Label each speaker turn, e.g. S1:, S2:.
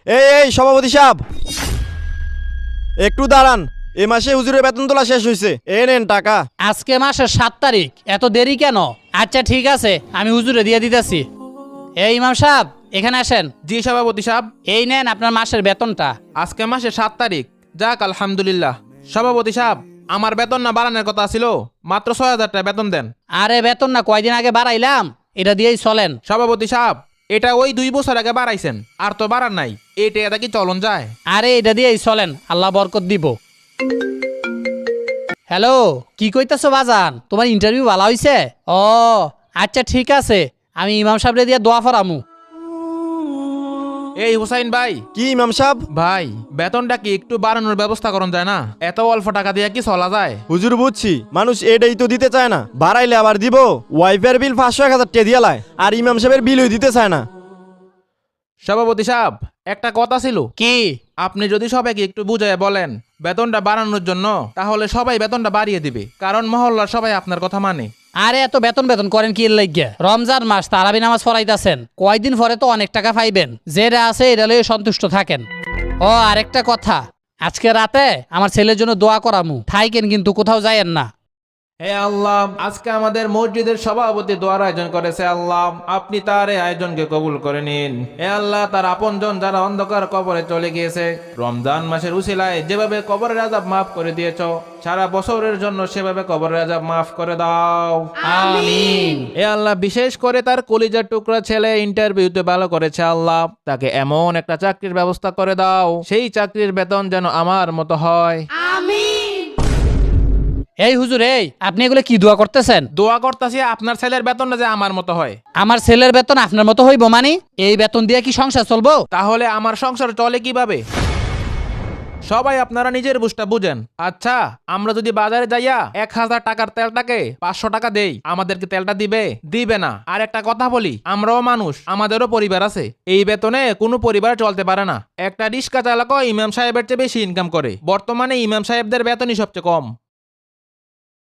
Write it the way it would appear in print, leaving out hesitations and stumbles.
S1: এই সভাপতি সাহেব, একটু দাঁড়ান। এ মাসে হুজুরের বেতন তোলা শেষ হয়েছে, এ নেন টাকা।
S2: আজকে মাসের 7 তারিখ, এত দেরি কেন? আচ্ছা ঠিক আছে, আমি হুজুরে দিয়ে দিতেছি। এই ইমাম সাহেব, এখানে আসেন।
S3: জি সভাপতি সাহেব।
S2: এই নেন আপনার মাসের বেতনটা।
S3: আজকে মাসে 7 তারিখ, যাক আলহামদুলিল্লাহ। সভাপতি সাহেব, আমার বেতন না বাড়ানোর কথা ছিল, মাত্র 6,000 টাকা বেতন দেন।
S2: আরে বেতন না কয়দিন আগে বাড়াইলাম, এটা দিয়েই চলেন।
S3: সভাপতি সাহেব, এটা ওই 2 বছর আগে বাড়াইছেন, আর তো বাড়ার নাই। এটা কি চলন যায়?
S2: আরে এটা দিয়েই চলেন, আল্লাহ বরকত দিব। হ্যালো, কি কইতাছো বাজান? তোমার ইন্টারভিউ ভালো হইছে? ও আচ্ছা ঠিক আছে, আমি ইমাম সাহেবরে দিয়ে দোয়া ফরামু।
S3: এই হুসাইন ভাই,
S1: কি ইমাম সাহেব?
S3: ভাই বেতনটা কি একটু বাড়ানোর ব্যবস্থা করুন যায় না? এত অল্প টাকা দিয়ে কি চলা যায়?
S1: হুজুর বুঝছি, মানুষ এটাই তো দিতে চায় না, বাড়াইলে আবার দিব। ওয়াইফের বিল 500-1000 টাকা দিয়ে লায়, আর ইমাম সাহেবের বিলই দিতে চায় না।
S3: সভাপতি সাহেব, একটা কথা ছিল।
S2: কি?
S3: আপনি যদি সবাইকে একটু বুঝায় বলেন বেতনটা বাড়ানোর জন্য, তাহলে সবাই বেতনটা বাড়িয়ে দিবে, কারণ মহল্লার সবাই আপনার কথা মানে।
S2: আরে এত বেতন বেতন করেন কি লাগিয়া? রমজান মাস, তারাবি নামাজ পড়াইতাছেন, কয়দিন পরে তো অনেক টাকা পাইবেন। যেটা আছে এটা লইয়ে সন্তুষ্ট থাকেন। ও আরেকটা কথা, আজকে রাতে আমার ছেলের জন্য দোয়া করামু, থাইকেন কিন্তু কোথাও যায়েন না।
S3: হে আল্লাহ, আজকে আমাদের মসজিদের সভাপতি দোয়ার আয়োজন করেছে। আল্লাহ, আপনি তার এই আয়োজনকে কবুল করে নিন। হে আল্লাহ, তার আপনজন যারা অন্ধকার কবরে চলে গিয়েছে, রমজান মাসের উসিলায় যেভাবে কবরের আযাব মাফ করে দিয়েছো, সারা বছরের জন্য সেভাবে কবরের আযাব মাফ করে দাও।
S2: আমিন।
S3: হে আল্লাহ, বিশেষ করে তার কলিজার টুকরা ছেলে ইন্টারভিউতে ভালো করেছে। আল্লাহ, তাকে এমন একটা চাকরির ব্যবস্থা করে দাও, সেই চাকরির বেতন যেন আমার মতো হয়।
S2: এই হুজুর, এই আপনি এগুলো কি দোয়া করতেছেন?
S3: দোয়া করতেছি আপনার ছেলের বেতনটা যে আমার মতো হয়।
S2: আমার ছেলের বেতন আপনার মতো হইব মানে? এই বেতন দিয়ে কি সংসার চলবো?
S3: তাহলে আমার সংসার চলে কিভাবে? সবাই আপনারা নিজের বুঝটা বুঝেন। আচ্ছা, আমরা যদি বাজারে যাইয়া 1000 টাকার তেলটাকে 500 টাকা দেই, আমাদেরকে তেলটা দিবে? দিবে না। আর একটা কথা বলি, আমরাও মানুষ, আমাদেরও পরিবার আছে। এই বেতনে কোনো পরিবার চলতে পারে না। একটা রিক্সা চালকও ইমাম সাহেবের চেয়ে বেশি ইনকাম করে। বর্তমানে ইমাম সাহেবদের বেতনই সবচেয়ে কম।